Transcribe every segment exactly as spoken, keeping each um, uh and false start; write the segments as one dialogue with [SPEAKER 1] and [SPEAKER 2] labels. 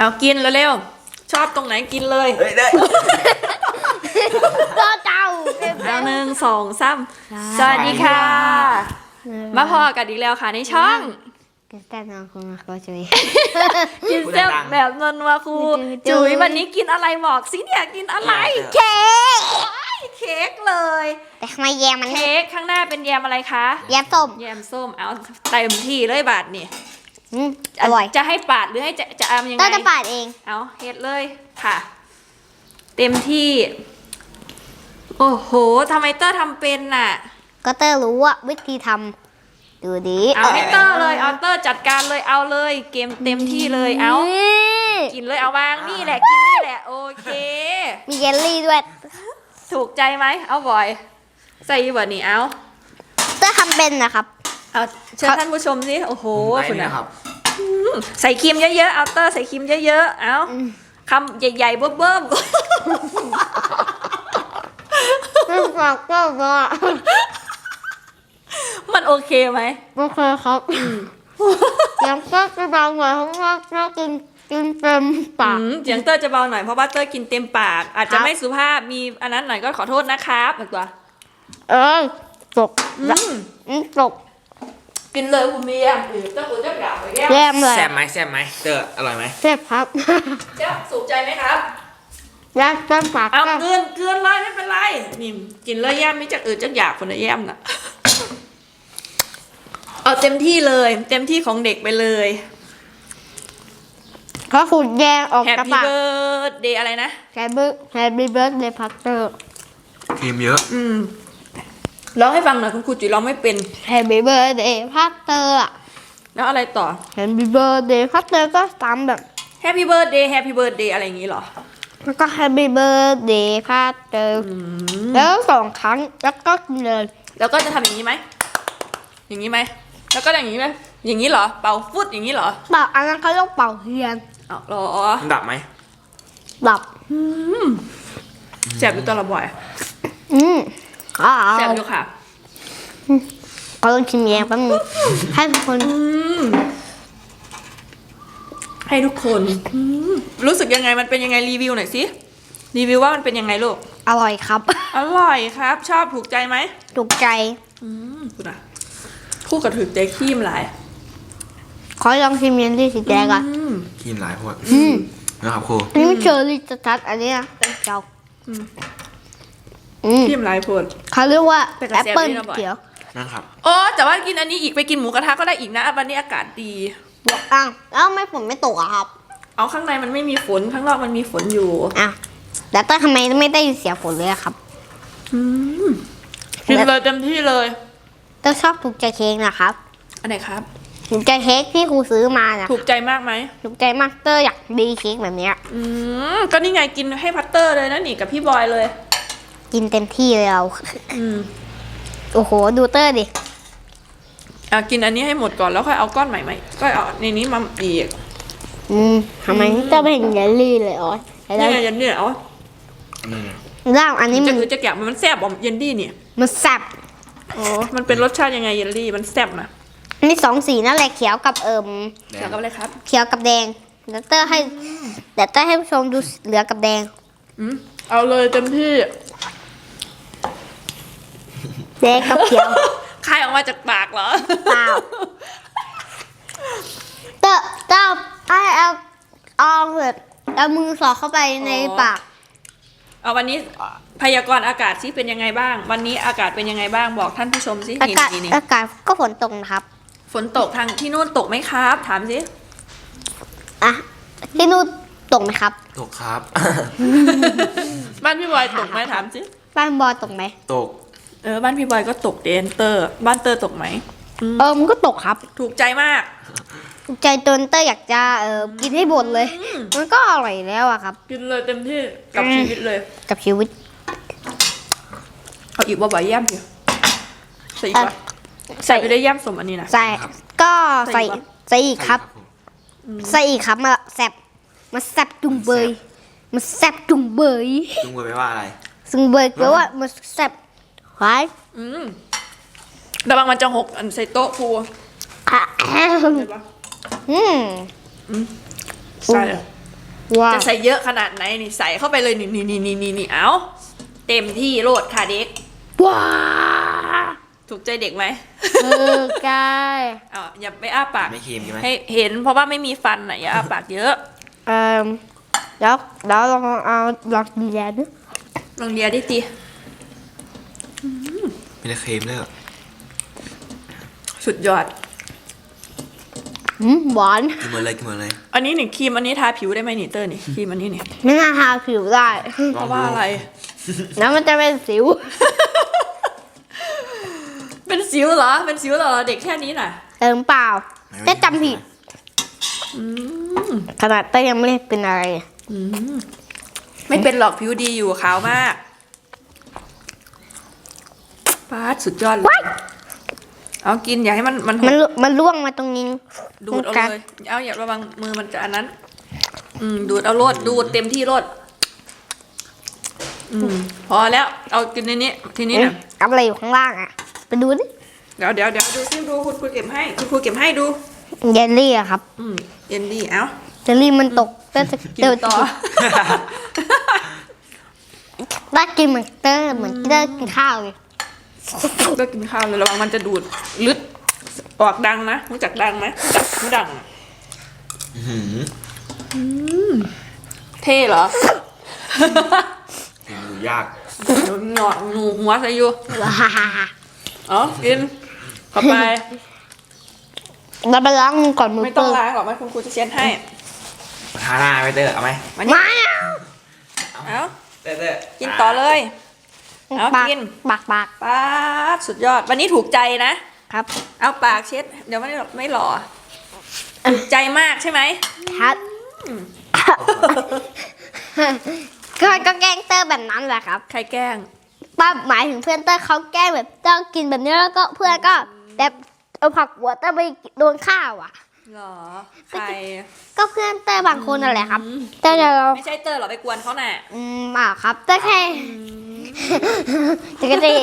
[SPEAKER 1] เอากินเร็วๆชอบตรงไหนกินเลย
[SPEAKER 2] เฮ้ยได้
[SPEAKER 3] ก็เจ้า
[SPEAKER 1] เอาหนึ่งสองสามสวัสดีค่ะมาพอกันอีกแล้วค่ะในช่อง
[SPEAKER 3] แต่น้องคุณมาก็ช่วย
[SPEAKER 1] กินเส้นแบบนนวาคูจุ๋ยวันนี้กินอะไรบอกสิเนี่ยกินอะไร
[SPEAKER 3] เค้ก
[SPEAKER 1] เค้กเลย
[SPEAKER 3] แต่ทำไมแยมมัน
[SPEAKER 1] เค้กข้างหน้าเป็นแยมอะไรคะ
[SPEAKER 3] แยมส้ม
[SPEAKER 1] แยมส้มเอาเต็มที่เลยบาทนี่
[SPEAKER 3] อร่อย
[SPEAKER 1] จะให้ปาดหรือให้จะจะเอายังไง
[SPEAKER 3] ก็จะปาดเอง
[SPEAKER 1] เอาเฮ็ดเลยค่ะเต็มที่โอ้โหทำไมเตอร์ทำเป็นน่ะ
[SPEAKER 3] ก็เตอร์รู้ว่าวิธีทำดูดี
[SPEAKER 1] เอาให้เตอร์เลยเอาเตอร์จัดการเลยเอาเลยเกมเต็มที่เลยเอากินเลยเอาวางนี่แหละกินนี่แหละโอเค
[SPEAKER 3] มีเยลลี่ด้วย
[SPEAKER 1] ถูกใจไหมเอาบ่อยใส่บ่นี่เอา
[SPEAKER 3] เตอร์ทำเป็นนะครับ
[SPEAKER 1] เอาเชิญท่านผู้ชมสิโอ้โหคุณนะครับใส่ครีมเยอะๆเอาเตอร์ใส่ครีมเยอะๆเอาคำใหญ่ๆเบิ่มๆ
[SPEAKER 3] ฝากก็ว่า
[SPEAKER 1] มันโอเคไหม
[SPEAKER 3] โอเคครับยังก็จะเบาหน่อยเพราะว่าเรากินกินเต็มปาก
[SPEAKER 1] เสียงเตอร์จะเบาหน่อยเพราะว่าเตอร์กินเต็มปากอาจจะไม่สุภาพมีอันนั้นหน่อยก็ขอโทษนะครับหนึ่งตัว
[SPEAKER 3] เออตกอืมตก
[SPEAKER 1] กินเลยคุณเมียหรือเตอร์คุณจะกล่าวไปแก้
[SPEAKER 3] มเลย
[SPEAKER 2] แซ่บไหมแซ่บไหมเตอร์อร่อยไหม
[SPEAKER 3] แซ่บครับ
[SPEAKER 1] เจ้าสุขใจไหมครับ
[SPEAKER 3] ย่างเต็มปาก
[SPEAKER 1] เอาเกินเกินเลยไม่เป็นไรนี่กินเลยแย้มไม่จะอื่นจะอยากคนละแย้มน่ะเอาเต็มที่เลยเต็มที่ของเด็กไปเลย
[SPEAKER 3] เขาขุดแยงออกจากปาก
[SPEAKER 1] Happy Birthday อะไรนะ
[SPEAKER 3] Happy Happy Birthday พัตเตอร์
[SPEAKER 2] ครีมเยอะ
[SPEAKER 1] อืมร้องให้ฟังหน่อยคุณครูจุ๋ยร้องไม่เป็น
[SPEAKER 3] Happy Birthday พัตเตอร์
[SPEAKER 1] แล้วอะไรต่อ
[SPEAKER 3] Happy Birthday พัตเตอร์ก็ซ้ำแบบ
[SPEAKER 1] Happy Birthday Happy Birthday อะไรอย่างงี้เหรอ
[SPEAKER 3] แล้วก็ Happy Birthday พัตเตอร์แล้วสองครั้งแล้วก็เลย
[SPEAKER 1] แล้วก็จะทำอย่างนี้ไหมอย่างนี้ไหมแล้วก็อย่างนี้ไหมอย่างนี้เหรอเป่าฟุตอย่างนี้เหรอ
[SPEAKER 3] เป่าอันนั้นเขาต้องเป่าเทียน
[SPEAKER 1] อ๋อหรอ
[SPEAKER 2] ดับไหม
[SPEAKER 3] ดับ
[SPEAKER 1] แสบอยู่ตัวละบ่อย
[SPEAKER 3] อืมอ๋อ
[SPEAKER 1] แสบอยู่ค่ะ
[SPEAKER 3] เขาต้องชิมแยงแป๊บนึงให้ทุกคน
[SPEAKER 1] ให้ทุกคนรู้สึกยังไงมันเป็นยังไงรีวิวหน่อยสิรีวิวว่ามันเป็นยังไงลูก
[SPEAKER 3] อร่อยครับ
[SPEAKER 1] อร่อยครับชอบถูกใจไหม
[SPEAKER 3] ถูกใจ
[SPEAKER 1] อืมคุณอะคู่กับถูกใจขี้มหลาย
[SPEAKER 3] ขอลองชิมเยลลี่สีแดงก่อน
[SPEAKER 2] ขี้มหลายพวกนะครับครู
[SPEAKER 3] นี่มันเชอร์รี่ชัดอันนี้นะเจ้า
[SPEAKER 1] ขี้มหลายพวก
[SPEAKER 3] เขาเรียกว่าแอปเปิ้ลเขียว
[SPEAKER 2] นะครับ
[SPEAKER 1] อ๋อแต่ว่ากินอันนี้อีกไปกินหมูกระทะก็ได้อีกนะวันนี้อากาศดี
[SPEAKER 3] บอกอ้าวแล้วไม่ฝนไม่ตกอะครับ
[SPEAKER 1] เอาข้างในมันไม่มีฝนข้างนอกมันมีฝนอยู่
[SPEAKER 3] อ่ะแต่ต้นทำไมไม่ได้ยินเสียงฝนเลยครับ
[SPEAKER 1] กินเลยเต็มที่เลย
[SPEAKER 3] ต้นชอบถูกใจเค้กนะครับ
[SPEAKER 1] อันไหนครับ
[SPEAKER 3] ถูกใจเค้กที่ครูซื้อมานะ
[SPEAKER 1] ถูกใจมากไหม
[SPEAKER 3] ถูกใจมากเตอร์อยากดีเค้กแบบนี้
[SPEAKER 1] อืมก็นี่ไงกินให้พัตเตอร์เลยนะนี่กับพี่บอยเลย
[SPEAKER 3] กินเต็มที่เลยเรา
[SPEAKER 1] อืม
[SPEAKER 3] โอ้โหดูเตอร์ดิ
[SPEAKER 1] อ่ะกินอันนี้ให้หมดก่อนแล้วค่อยเอาก้อนใหม่ไหมก็เอาในนี้มาอีก
[SPEAKER 3] อืมทำไมจะไม่เห็นเยลลี่เลยอ๋อ
[SPEAKER 1] นี่ไงเยลลี่อ๋อ
[SPEAKER 3] ร่างอันนี้มัน
[SPEAKER 1] จะจะแกะมันแซ่บเยลลี่เนี่ย
[SPEAKER 3] มันแซ่บ
[SPEAKER 1] อ๋อมันเป็นรสชาติยังไงเยลลี่มันแซ่บนะ
[SPEAKER 3] นี่สองสีนั่นแหละเขียวกับเอิม
[SPEAKER 1] เขียวกับอะไรครับ
[SPEAKER 3] เขียวกับแดงเดี๋ยวเตอร์ให้เดี๋ยวเตอร์ให้ผู้ชมดูเหลือกับแดง
[SPEAKER 1] อืมเอาเลยเต็มที่
[SPEAKER 3] แดงกับเขียว
[SPEAKER 1] คายออกมาจากปากเหรอ
[SPEAKER 3] เปล่าเตอร์เตอร์ไอเอาเอาแบบเอามือสอดเข้าไปในปาก
[SPEAKER 1] เอาวันนี้พยากรณ์อากาศซิเป็นยังไงบ้างวันนี้อากาศเป็นยังไงบ้างบอกท่านผู้ชมซิ
[SPEAKER 3] อากาศอากาศก็ฝนตกนะครับ
[SPEAKER 1] ฝนตกทางที่นู่นตกไหมครับถามซิ
[SPEAKER 3] อ่ะที่นู่นตกไหมครับ
[SPEAKER 2] ตกครับ
[SPEAKER 1] บ้านพี่บอยตกไหมถามซิ
[SPEAKER 3] บ้านบอยตกไหม
[SPEAKER 2] ตก
[SPEAKER 1] เออบ้านพี่บอยก็ตกเดนเตอร์บ้านเตอร์ตกไหม
[SPEAKER 3] เออมันก็ตกครับ
[SPEAKER 1] ถูกใจมาก
[SPEAKER 3] ถูกใจจนเตอร์อยากจะเออกินให้หมดเลยมันก็อร่อยแล้วอะครับ
[SPEAKER 1] กินเลยเต็มที่กับชีวิตเลย
[SPEAKER 3] กับชีวิต
[SPEAKER 1] เอาอีกบ่อยๆย่ำสิใส่อีกวะใส่ไปได้ย่ำสมอันนี้นะ
[SPEAKER 3] ใส่ก็ใส่ใส่อีกครับใส่อีกครับมาแซ่บมาแซ่บจุงเบยมาแซ่บจุงเบย
[SPEAKER 2] จุงเบยแปลว่าอะไร
[SPEAKER 3] จุงเบยแปลว่ามาแซ่บหวาน
[SPEAKER 1] อืมระวังมันจะหกอันใส่โต๊ะครู
[SPEAKER 3] อืม
[SPEAKER 1] ใส่
[SPEAKER 3] ว้าว
[SPEAKER 1] จะใส่เยอะขนาดไหนนี่ใส่เข้าไปเลยนี่นี่นี่นี่นี่นี่เอาเต็มที่โลดค่ะเด็ก
[SPEAKER 3] ว้า
[SPEAKER 1] ถูกใจเด็กไหม
[SPEAKER 3] เออกาย
[SPEAKER 1] อ๋ออย่าไปอ้าปาก
[SPEAKER 2] ไม่ครีมใช่ไหม
[SPEAKER 1] ให้เห็นเพราะว่าไม่มีฟันอ่ะอย่าอ้าปากเยอะ
[SPEAKER 3] เอ่อแล้วแล้วลองเอาลองดูแลดู
[SPEAKER 1] ลองเดียดิตี
[SPEAKER 2] ไม่ได้ครีมเลยเหรอ
[SPEAKER 1] สุดยอด
[SPEAKER 3] อืมหวาน
[SPEAKER 2] กินหมดเลยกินหมดเลย
[SPEAKER 1] อันนี้นี่ครีมอันนี้ทาผิวได้ไหมนี่เตอร์นี่ครีมอันนี้นี่
[SPEAKER 3] ไม่น่าทาผิวได้
[SPEAKER 1] เพราะว่าอะไร
[SPEAKER 3] แล้วมันจะเป็นสิว
[SPEAKER 1] เป็นสิวเหรอเป็นสิวเหรอเด็กแค่นี้น่ะ
[SPEAKER 3] เติมเปล่าแต่จำผิด
[SPEAKER 1] อืม
[SPEAKER 3] ขนาดเต้ยังไม่ได้เป็นอะไร
[SPEAKER 1] อืมไม่เป็นหรอกผิวดีอยู่ขาวมากปาดสุดยอดเลยเอากินอย่าให้มันมันห
[SPEAKER 3] มัน
[SPEAKER 1] ก
[SPEAKER 3] ลุมันล่วงมาตรงนี้
[SPEAKER 1] ดูดเอาเลยเอาอย่าระวังมือมันจะอันนั้น อืมดูดเอาโลดดูดเต็มที่โลดอืมพอแล้วเอากินในนี้ทีนี้
[SPEAKER 3] เอ๊ะ
[SPEAKER 1] นะ
[SPEAKER 3] เอาอะไรอยู่ข้างล่างอ่ะ ไปดูดิ
[SPEAKER 1] เดี๋ยวเดี๋ยวเดี๋ยวดูซิดูคุณครูเก็บให้คุณครูเก็บให้ดู
[SPEAKER 3] เยลลี่อะครับ
[SPEAKER 1] อืมเย็นดีเอ้า
[SPEAKER 3] เยลลี่มันตกเต้จะ
[SPEAKER 1] กิน
[SPEAKER 3] เต้
[SPEAKER 1] ต่อ
[SPEAKER 3] ได้กินเหมือนเต้เหมือนเต้กินข้าวเลย
[SPEAKER 1] ก็กินข้าวเลยระวังมันจะดูดลึดออกดังนะรู้จักดังไหมรู้จักไม่ดัง
[SPEAKER 2] อื้อหือ
[SPEAKER 1] เท่เหรอ
[SPEAKER 2] กินดูยาก
[SPEAKER 1] หนอหนูหัวใส่อยู่
[SPEAKER 3] ว้า
[SPEAKER 1] อ๋อกินเข้าไป
[SPEAKER 3] เราไปล้างมือก่อนมือ
[SPEAKER 1] ไม่ต้อง
[SPEAKER 3] เปื้อน
[SPEAKER 1] ล้างหรอกไม่คุณครูจะเช็ดให้
[SPEAKER 2] ทาหน้าไปเตอร์เอาไหม
[SPEAKER 1] มานี่
[SPEAKER 3] ไม่เอา
[SPEAKER 1] เอ้า
[SPEAKER 2] เตอร์เตอร์
[SPEAKER 1] กินต่อเลย เอา
[SPEAKER 3] ปาก
[SPEAKER 1] กิน
[SPEAKER 3] ปากปาก
[SPEAKER 1] ป๊าดสุดยอด วันนี้ถูกใจนะครับ เอาปากเช็ด เดี๋ยวไม่หลอกไม่หล่อถูกใจมากใช่ไหม
[SPEAKER 3] ครับ ก็ก็แกล้งเตอร์แบบนั้นแหละครับ
[SPEAKER 1] ใครแกล้ง
[SPEAKER 3] ป้าหมายถึงเพื่อนเตอร์เขาแกล้งแบบเตอร์กินแบบนี้แล้วก็เพื่อนก็แบบเอาผักหัวเตอร์ไปโดนข้าวอ่ะ
[SPEAKER 1] หรอ ใคร
[SPEAKER 3] ก็เพื่อนเตอร์บางคนนั่นแหละครับเตอร์จะ
[SPEAKER 1] ไม่ใช่เตอร์หรอไปกวนเขาน่ะ
[SPEAKER 3] อืมเปล่าครับเตอร์แค่จะก็จะ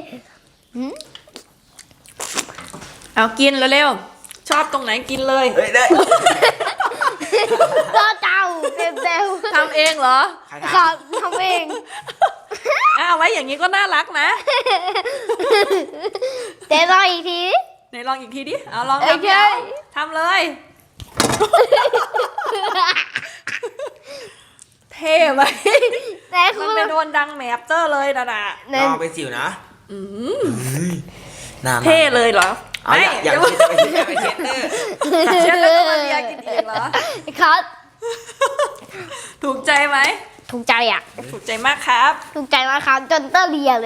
[SPEAKER 1] เอากินเร็วๆชอบตรงไหนกินเลย
[SPEAKER 2] เฮ้ยเตอร์
[SPEAKER 3] ก็เจ้าเต็มเต็ม
[SPEAKER 1] ทำเองเหรอ
[SPEAKER 2] ใคร
[SPEAKER 3] ขอ
[SPEAKER 2] ทำ
[SPEAKER 3] ทำเอง
[SPEAKER 1] อ้าวไว้อย่างนี้ก็น่ารักนะ
[SPEAKER 3] เดี๋ยวรออีกที
[SPEAKER 1] ไหนลองอีกทีดิ เอาลอง
[SPEAKER 3] โอ
[SPEAKER 1] ทำ
[SPEAKER 3] เค
[SPEAKER 1] ดิเอาทำเลย เท่ไหม
[SPEAKER 3] แต่
[SPEAKER 1] มั
[SPEAKER 3] คุ
[SPEAKER 1] น
[SPEAKER 3] ณ
[SPEAKER 1] ไปโดนดังแหมบเตอร์เลยนะน่ะ
[SPEAKER 3] ใน
[SPEAKER 2] รอไปสิวนะ
[SPEAKER 1] อืม
[SPEAKER 2] เฮ้ยหน้ามัน
[SPEAKER 1] เท่เลยเหรอ
[SPEAKER 2] เอาอย่าอย่า
[SPEAKER 1] ไม่
[SPEAKER 2] ไปเช็ดอย่าไปเช็ดอย่าไปเช็ดเตอร์
[SPEAKER 1] เชื่อแล้วก็มาเรียกินเองเหรอ
[SPEAKER 3] ครับ
[SPEAKER 1] ถูกใจไหม
[SPEAKER 3] ถูกใจอ่ะ
[SPEAKER 1] ถูกใจมากครับ
[SPEAKER 3] ถูกใจมากครับจนเตอร์เลียเลย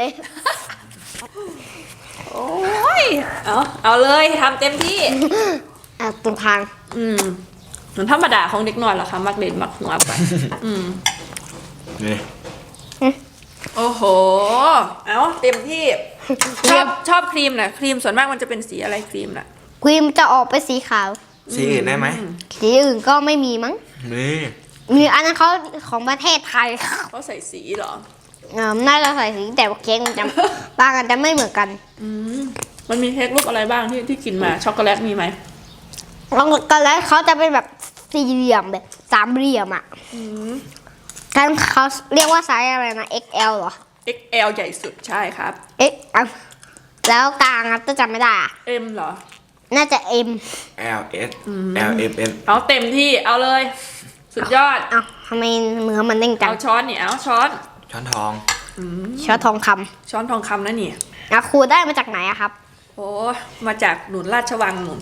[SPEAKER 1] โอ้ย เอาเอาเลยทำเต็มที่
[SPEAKER 3] อ่ะตรงทาง
[SPEAKER 1] อืมเหมือนธรรมดาของเด็กน้อยเหรอคะมักเด่นมักหัวไป อืม
[SPEAKER 2] นี่
[SPEAKER 1] โอ้โห เอาเต็มที่ ชอบชอบครีมน่ะ ครีมส่วนมากมันจะเป็นสีอะไรครีมน่ะ
[SPEAKER 3] ครีมจะออกไปสีขาว
[SPEAKER 2] สีอื่นได้ไหม
[SPEAKER 3] สีอื่นก็ไม่มีมั้ง
[SPEAKER 2] นี่
[SPEAKER 3] มีอันนั้นเขาของประเทศไทย
[SPEAKER 1] เขาใส่สีเหรอ
[SPEAKER 3] เออน่าจะใส่สีแต่ว่าเค้กมันจะ บางอันจะไม่เหมือนกัน
[SPEAKER 1] อืมมันมีเค้กรูปอะไรบ้างที่ที่กินมา ช็อกโกแลตมีไหม
[SPEAKER 3] แล้วก็แล้วเขาจะเป็นแบบสี่เหลี่ยมแบบสามเหลี่ยมอ่ะ
[SPEAKER 1] อืม
[SPEAKER 3] กันเขาเรียกว่าไซส์อะไรนะ เอ็กซ์ แอล เหรอ
[SPEAKER 1] เอ็กซ์ แอล ใหญ่สุดใช่ครับ
[SPEAKER 3] เอ็กซ์ อ่ะแล้วกลางอ่ะจะจำไม่ได้อ่ะ
[SPEAKER 1] M เหรอ
[SPEAKER 3] น่าจะ M
[SPEAKER 2] L S L M N
[SPEAKER 1] เอาเต็มที่ เอาเลย สุดยอด
[SPEAKER 3] เอ้าทำไมเนื้อมันเด้งจัง
[SPEAKER 1] เอาช้อนนี่ เอาช้อน
[SPEAKER 2] ช้อนทอง
[SPEAKER 3] ช้อนทองค
[SPEAKER 1] ช้อนทองคำนะนี่
[SPEAKER 3] ำอ่ะครูได้มาจากไหนอะครับ
[SPEAKER 1] โอ้มาจากหนุนราชวังหนุน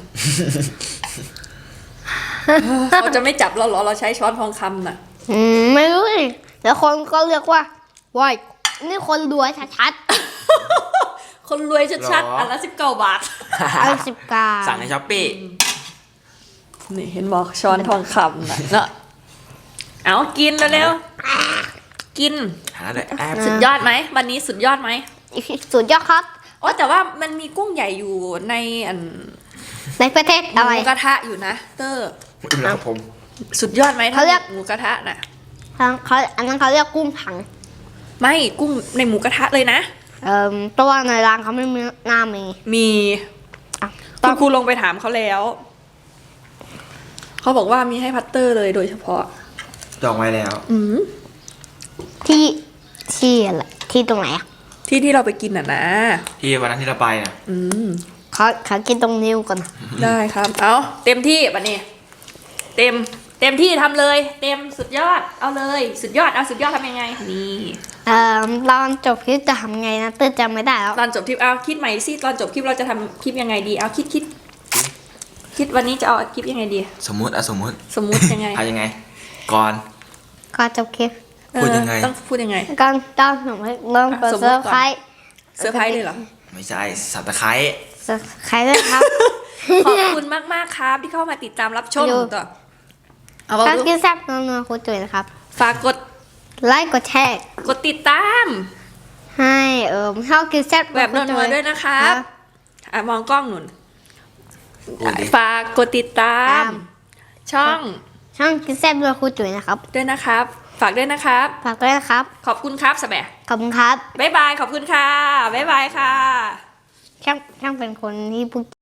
[SPEAKER 1] เขาจะไม่จับเราเหรอ เราใช้ช้อนทองคำน่ะ
[SPEAKER 3] อืมไม่รู้สิแล้วคนก็เรียกว่าว้ายนี่คนรวยชัด
[SPEAKER 1] คนรวยชัด
[SPEAKER 2] หรอ
[SPEAKER 1] ๆ อันละสิบเก้าบาท
[SPEAKER 3] ๆเอาสิบกา
[SPEAKER 2] สั่งในช้อปปี้
[SPEAKER 1] นี่เห็นบอกช้อนทองคำน่ะเนอะเอากินเร็วๆ กิน
[SPEAKER 2] หาได้แอป
[SPEAKER 1] สุดยอดไหม วันนี้สุดยอดไหม
[SPEAKER 3] สุดยอดครับ
[SPEAKER 1] อ๋อแต่ว่ามันมีกุ้งใหญ่อยู่ในอัน
[SPEAKER 3] ในประเทศ
[SPEAKER 1] ห
[SPEAKER 3] อะไร
[SPEAKER 1] มูกระทะอยู่นะ เตอร์
[SPEAKER 2] ครับผม
[SPEAKER 1] สุดยอดไหม
[SPEAKER 3] เขาเรียก
[SPEAKER 1] หมูกระทะน่ะ
[SPEAKER 3] เขาอันนั้นเขาเรียกกุ้งถัง
[SPEAKER 1] ไม่กุ้งในหมูกระทะเลยนะ
[SPEAKER 3] เอ่อตัวในร้านเขาไม่มีหน้ามี
[SPEAKER 1] มี
[SPEAKER 3] อ่ะ
[SPEAKER 1] คุณครูลงไปถามเขาแล้ว เขาบอกว่ามีให้พัตเตอร์เลยโดยเฉพาะ
[SPEAKER 2] จองไว้แล้ว
[SPEAKER 1] อืม
[SPEAKER 3] ที่ที่อะไรที่ตรงไหนอ่ะ
[SPEAKER 1] ที่ที่เราไปกินอ่ะนะ
[SPEAKER 2] ที่วันนั้นที่เราไปน่ะ
[SPEAKER 1] อืม
[SPEAKER 3] ขอขอกินตรงนิ้วก่อน
[SPEAKER 1] ได้ครับ เอาเต็มที่บัดนี้ เต็ม เต็มที่ทำเลย เต็มสุดยอด เอาเลย สุดยอด เอาสุดยอดทำยังไง นี่
[SPEAKER 3] เอ่อตอนจบคลิปจะทำไงนะเต้ยจำไม่ได้แล้ว
[SPEAKER 1] ตอนจบคลิป เอาคิดใหม่สิ ตอนจบคลิปเราจะทำคลิปยังไงดี เอาคิดคิด คิดวันนี้จะเอาคลิปยังไงดี
[SPEAKER 2] สมมุติอะสมมุติ
[SPEAKER 1] สมมุติยังไง
[SPEAKER 2] เอายังไง ก่อน
[SPEAKER 3] ก็จบคลิป
[SPEAKER 2] พูดยังไง
[SPEAKER 1] เออต้องพูดยังไง
[SPEAKER 3] ก็ต้องหนูเริ่มเปิด
[SPEAKER 1] สมมุ
[SPEAKER 3] เซ
[SPEAKER 1] ติ
[SPEAKER 3] อ
[SPEAKER 1] ก่อน
[SPEAKER 3] ร์ไพรส์
[SPEAKER 1] เซอร์ไพรส์เลยเหรอ
[SPEAKER 2] ไม่ใช่สับตะไคร้
[SPEAKER 3] เซอร์ไพรส์ด้วยครับ
[SPEAKER 1] ขอบคุณมากมากๆครับที่เข้ามาติดตามรับชม
[SPEAKER 3] อยู่
[SPEAKER 1] ต่อเอาบอก
[SPEAKER 3] การ
[SPEAKER 1] ดู
[SPEAKER 3] กินแซ่บนัวๆคุณจุ๋ยนะครับ
[SPEAKER 1] ฝากกด
[SPEAKER 3] ไลค์กดแชร์
[SPEAKER 1] กดติดตาม
[SPEAKER 3] ให้เออชอบกินแซ่บ
[SPEAKER 1] แบบนัวๆด้วยนะครับอ่ะมองกล้องหนุน
[SPEAKER 2] พูดดิ
[SPEAKER 1] ฝากกดติดตาม ช่อง
[SPEAKER 3] ช่องกินแซ่บด้วยคุณจุ๋ยนะครับ
[SPEAKER 1] ด้วยนะครับ ฝากด้วยนะครับ
[SPEAKER 3] ฝากด้วยนะครับ
[SPEAKER 1] ขอบคุณครับสแบะ
[SPEAKER 3] ขอบคุณครับ
[SPEAKER 1] บ๊ายบาย ขอบคุณค่ะ บ๊ายบายค่ะ
[SPEAKER 3] ช่างช่างเป็นคนที่พูด